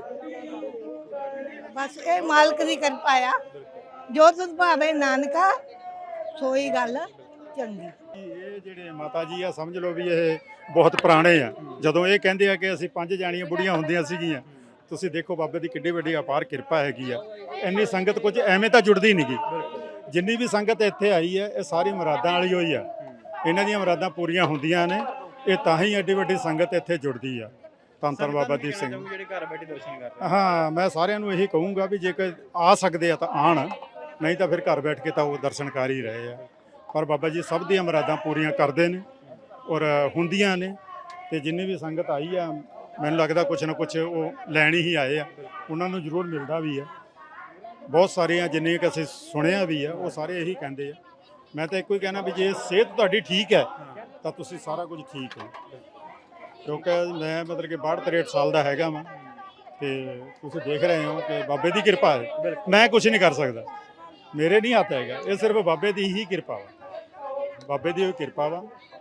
Speaker 7: ਬਸ ਇਹ ਮਾਲਕ ਦੀ ਕਿਰਪਾ ਆ, ਜੋ ਤੁਧ ਭਾਵੇ ਨਾਨਕਾ, ਸੋਈ ਗੱਲ ਚੰਗੀ।
Speaker 12: ਇਹ ਜਿਹੜੇ ਮਾਤਾ ਜੀ ਆ, ਸਮਝ ਲਓ ਵੀ ਇਹ ਬਹੁਤ ਪੁਰਾਣੇ ਆ। ਜਦੋਂ ਇਹ ਕਹਿੰਦੇ ਆ ਕਿ ਅਸੀਂ ਪੰਜ ਜਾਣੀਆਂ ਬੁੜੀਆਂ ਹੁੰਦੀਆਂ ਸੀਗੀਆਂ, ਤੁਸੀਂ ਦੇਖੋ ਬਾਬੇ ਦੀ ਕਿੱਡੀ ਵੱਡੀ ਅਪਾਰ ਕਿਰਪਾ ਹੈਗੀ ਆ। ਇੰਨੀ ਸੰਗਤ ਕੁਝ ਐਵੇਂ ਤਾਂ ਜੁੜਦੀ ਨਹੀਂ ਗੀ। ਜਿੰਨੀ ਵੀ ਸੰਗਤ ਇੱਥੇ ਆਈ ਹੈ, ਇਹ ਸਾਰੀ ਮੁਰਾਦਾਂ ਵਾਲੀ ਹੋਈ ਆ। ਇਹਨਾਂ ਦੀਆਂ ਮੁਰਾਦਾਂ ਪੂਰੀਆਂ ਹੁੰਦੀਆਂ ਨੇ, ਇਹ ਤਾਂ ਹੀ ਐਡੀ ਵੱਡੀ ਸੰਗਤ ਇੱਥੇ ਜੁੜਦੀ ਆ। ਧੰਨ ਧੰਨ ਬਾਬਾ ਦੀਪ ਸਿੰਘ।
Speaker 1: ਜਿਹੜੇ ਘਰ ਬੈਠੇ ਦਰਸ਼ਨ ਕਰ ਰਹੇ।
Speaker 12: ਹਾਂ, ਮੈਂ ਸਾਰਿਆਂ ਨੂੰ ਇਹੀ ਕਹੂੰਗਾ ਵੀ ਜੇਕਰ ਆ ਸਕਦੇ ਆ ਤਾਂ ਆਣ, ਨਹੀਂ ਤਾਂ ਫਿਰ ਘਰ ਬੈਠ ਕੇ ਤਾਂ ਉਹ ਦਰਸ਼ਨ ਕਰ ਹੀ ਰਹੇ ਆ। ਪਰ ਬਾਬਾ ਜੀ ਸਭ ਦੀਆਂ ਮੁਰਾਦਾਂ ਪੂਰੀਆਂ ਕਰਦੇ ਨੇ ਔਰ ਹੁੰਦੀਆਂ ਨੇ। ਤੇ ਜਿੰਨੀ ਵੀ ਸੰਗਤ ਆਈ ਆ, ਮੈਨੂੰ ਲੱਗਦਾ ਕੁਛ ਨਾ ਕੁਛ ਉਹ ਲੈਣ ਹੀ ਆਏ ਆ, ਉਹਨਾਂ ਨੂੰ ਜ਼ਰੂਰ ਮਿਲਦਾ ਵੀ ਆ। ਬਹੁਤ ਸਾਰੀਆਂ ਜਿੰਨੀਆਂ ਕਿ ਅਸੀਂ ਸੁਣਿਆ ਵੀ ਆ, ਉਹ ਸਾਰੇ ਇਹੀ ਕਹਿੰਦੇ ਆ। ਮੈਂ ਤਾਂ ਇੱਕੋ ਹੀ ਕਹਿਣਾ ਵੀ ਜੇ ਸਿਹਤ ਤੁਹਾਡੀ ਠੀਕ ਹੈ ਤਾਂ ਤੁਸੀਂ ਸਾਰਾ ਕੁਝ ਠੀਕ ਹੈ। ਕਿਉਂਕਿ ਮੈਂ ਮਤਲਬ ਕਿ ਬਾਹਠ ਤਰੇਹਠ ਸਾਲ ਦਾ ਹੈਗਾ ਵਾਂ ਤੇ ਤੁਸੀਂ ਦੇਖ ਰਹੇ ਹੋ ਕਿ ਬਾਬੇ ਦੀ ਕਿਰਪਾ ਹੈ। ਮੈਂ ਕੁਝ ਨਹੀਂ ਕਰ ਸਕਦਾ, ਮੇਰੇ ਨਹੀਂ ਹੱਥ ਹੈਗਾ, ਇਹ ਸਿਰਫ ਬਾਬੇ ਦੀ ਹੀ ਕਿਰਪਾ ਵਾ। ਬਾਬੇ ਦੀ ਕਿਰਪਾ ਵਾ।